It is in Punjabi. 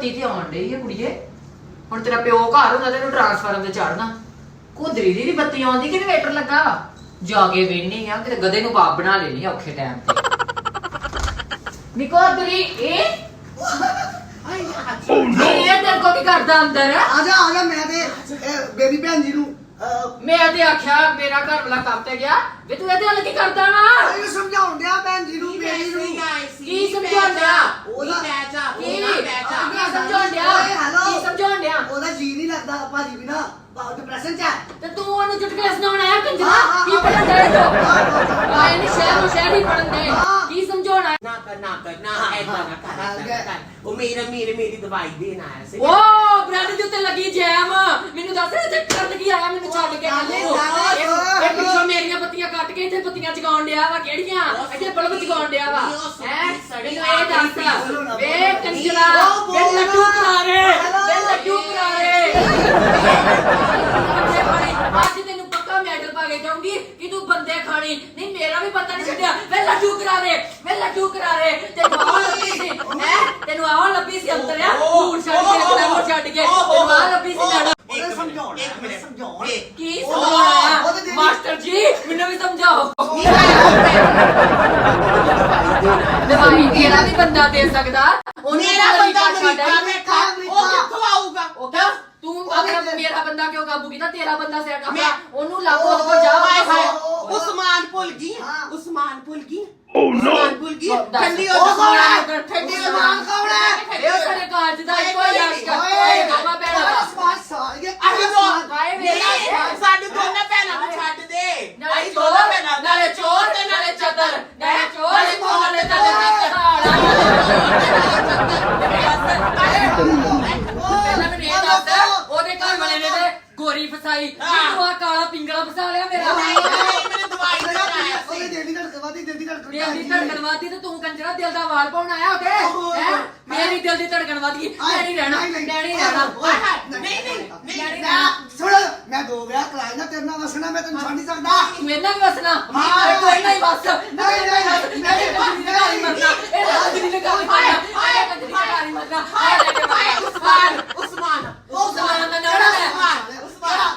ਬੱਤੀ ਤੇ ਆਉਣ ਡਈ ਹੈ ਕੁੜੀਏ। ਹੁਣ ਤੇਰਾ ਪਿਓ ਘਰ ਹੁੰਦਾ ਤੈਨੂੰ ਟਰਾਂਸਫਾਰਮ ਤੇ ਚੜਨਾ। ਕੁਦਰੀ ਦੀ ਵੀ ਬੱਤੀ ਆਉਂਦੀ ਕਿ ਇਨਵੇਟਰ ਲੱਗਾ ਵਾ? ਜਾ ਕੇ ਵੇਹਨੀ ਆ ਕਿਤੇ ਗਧੇ ਨੂੰ ਬਾਪ ਬਣਾ ਲੈਣੀ ਔਖੇ ਟਾਈਮ ਤੇ। ਨਿਕੋਦਰੀ ਇਹ ਇਹ ਤੇਰੇ ਕੋ ਕੀ ਕਰਦਾ ਅੰਦਰ? ਆ ਜਾ ਮੈਂ ਤੇ ਬੇਬੀ ਭੈਣ ਜੀ ਨੂੰ ਮੈਂ ਤੇ ਆਖਿਆ ਮੇਰਾ ਘਰ ਵਾਲਾ ਕੰਮ ਤੇ ਗਿਆ ਵੇ ਤੂੰ ਇਹਦੇ ਨਾਲ ਕੀ ਕਰਦਾ ਵਾ? ਇਹ ਸਮਝਾਉਣ ਡਿਆ ਭੈਣ ਜੀ ਨੂੰ ਬੇਬੀ ਨੂੰ। ਕੀ ਸਮਝਾਉਣ ਡਿਆ? ਉਹਦਾ ਸਮਝਾਉਣ ਡਿਆ? ਕੀ ਸਮਝਾਉਣ ਡਿਆ? ਉਹਦਾ ਜੀ ਨਹੀਂ ਲੱਗਦਾ ਭਾਜੀ ਵੀ ਨਾ ਡਿਪਰੈਸ਼ਨ ਚ ਹੈ। ਤੇ ਤੂੰ ਉਹਨੂੰ ਚੁਟਕਲੇ ਸੁਣਾਉਣ ਆਇਆ ਕੰਜਰਾ? ਕੀ ਪੜਨ ਦੇ ਤੋ? ਆਏ ਨਹੀਂ ਸ਼ਹਿਰ ਹੀ ਪੜਨ ਦੇ। ਕੀ ਸਮਝਾਉਣਾ? ਨਾ ਐਦਾਂ ਨਾ ਕਰ ਉਹ ਮੇਰੀ ਦਵਾਈ ਦੇਣ ਆਇਆ ਸੀ। ਓ ਬ੍ਰੈਡ ਦੇ ਉੱਤੇ ਲੱਗੀ ਜੈਮ। ਮੈਨੂੰ ਦੱਸ ਰਿਹਾ ਚੱਕਰ ਲੱਗੀ ਆਇਆ ਮੈਨੂੰ ਛੱਡ ਕੇ ਕੱਲ ਨੂੰ। ਇਹ ਪਿੱਛੋਂ ਮੇਰੀਆਂ ਬੱਤੀਆਂ ਕੱਟ ਕੇ ਇੱਥੇ ਬੱਤੀਆਂ ਜਗਾਉਣ ਡਿਆ ਵਾ। ਕਿਹੜੀਆਂ? ਇੱਥੇ ਬਲਬ ਜਗਾਉਣ ਡਿਆ ਵਾ। ਹੈ ਮੈਨੂੰ ਇਹ ਦੱਸ ਵੇ ਕੰਜਰਾ ਵੇ ਲੱਡੂ ਕਰਾਰੇ ਵੇ ਲੱਡੂ ਕਰਾਰੇ। ਅੱਜ ਤੈਨੂੰ ਪੱਕਾ ਮੈਡਲ ਪਾ ਕੇ ਜਾਊਂਗੀ ਕਿ ਤੂੰ ਬੰਦੇ ਖਾਣੀ ਨਹੀਂ। ਮੇਰਾ ਵੀ ਪਤਾ ਨਹੀਂ ਛੱਡਿਆ ਵੇ ਲੱਡੂ ਕਰਾਰੇ ਵੇ ਲੱਡੂ ਕਰਾਰੇ। ਤੈਨੂੰ ਆਹ ਲੱਭੀ ਸੀ ਹੈ ਤੈਨੂੰ ਆਹ ਲੱਭੀ ਸੀ ਅੰਤਰਿਆ ਭੂਰ ਛੱਡ ਕੇ ਕਲਾਮੋ ਛੱਡ ਕੇ ਤੈਨੂੰ ਆਹ ਲੱਭੀ ਸੀ ਮੈਡਮ। ਸਮਝਾਉਣ ਕੀ ਸਮਝਾਉਣਾ? ਮਾਸਟਰ ਜੀ ਮੈਨੂੰ ਵੀ ਸਮਝਾਓ। ਦਵਾਈ ਤੇਰਾ ਵੀ ਬੰਦਾ ਦੇ ਸਕਦਾ। ਮੇਰਾ ਬੰਦਾ ਅਮਰੀਕਾ ਉਹ ਕਿੱਥੋਂ ਆਊਗਾ? ਉਹ ਕਿਆ ਤੂੰ ਅਗਰ ਮੇਰਾ ਬੰਦਾ ਕਿਉਂ ਕਾਬੂ ਕੀਤਾ? ਤੇਰਾ ਬੰਦਾ ਸੈਟ ਆਪਣਾ ਉਹਨੂੰ ਲਾਗੋ ਉਹਦੇ ਕੋਲ ਜਾ। ਉਸਮਾਨ ਭੁੱਲ ਗਈ ਠੰਡੀ ਉਹ ਠੰਡੀ ਉਸਮਾਨ ਕੌਣ ਹੈ? ਇਹ ਸਾਰੇ ਕਾਜ ਦਾ ਇੱਕੋ ਹੀ ਆਸ਼ਕਾ ਮਾਮਾ ਭੈਣਾ ਸਾਡੇ ਦੋਨਾਂ ਭੈਣਾਂ ਨੂੰ ਛੱਡ ਦੇ। ਨਾਲੇ ਚੋਰ ਤੇ ਨਾਲੇ ਚਦਰ ਨਾਲੇ ਚੋਰ ਨਾਲੇ ਚਦਰ ਉਹਦੇ ਘਰ ਵਾਲੇ ਨੇ ਤੇ ਗੋਰੀ ਫਸਾਈ ਮੈਨੂੰ ਆ ਕਾਲਾ ਪਿੰਗਲਾ ਫਸਾ ਲਿਆ ਮੇਰਾ। ਮੈਨੂੰ ਦਵਾਈ ਦੇਣ ਆਇਆ ਸੀ। ਉਹਦੇ ਦਿਲ ਦੀ ਧੜਕਣ ਦਿਲ ਦੀ ਧੜਕਣ ਵਾਦੀ ਤੇ ਤੂੰ ਕੰਜਰਾ ਦਿਲ ਦਾ ਵਾਲ ਪਾਉਣ ਆਇਆ ਉੱਥੇ ਹੈ? ਮੇਰੀ ਦਿਲ ਦੀ ਧੜਕਣ ਵਾਦੀ ਮੈਂ ਨਹੀਂ ਰਹਿਣਾ ਨਹੀਂ ਸੁਣ ਮੈਂ 2 ਵਿਆਹ ਕਰਾਏ ਨਾ ਤੇਰੇ ਨਾਲ ਵਸਣਾ ਮੈਂ ਤੈਨੂੰ ਛੱਡ ਨਹੀਂ ਸਕਦਾ। ਤੂੰ ਇਹਨਾਂ ਵੀ ਵਸਣਾ ਕੋਈ ਨਹੀਂ ਵਸ ਉਸਮਾਨ ਉਸਮਾਨ ਦਾ ਨਾਮ ਹੈ।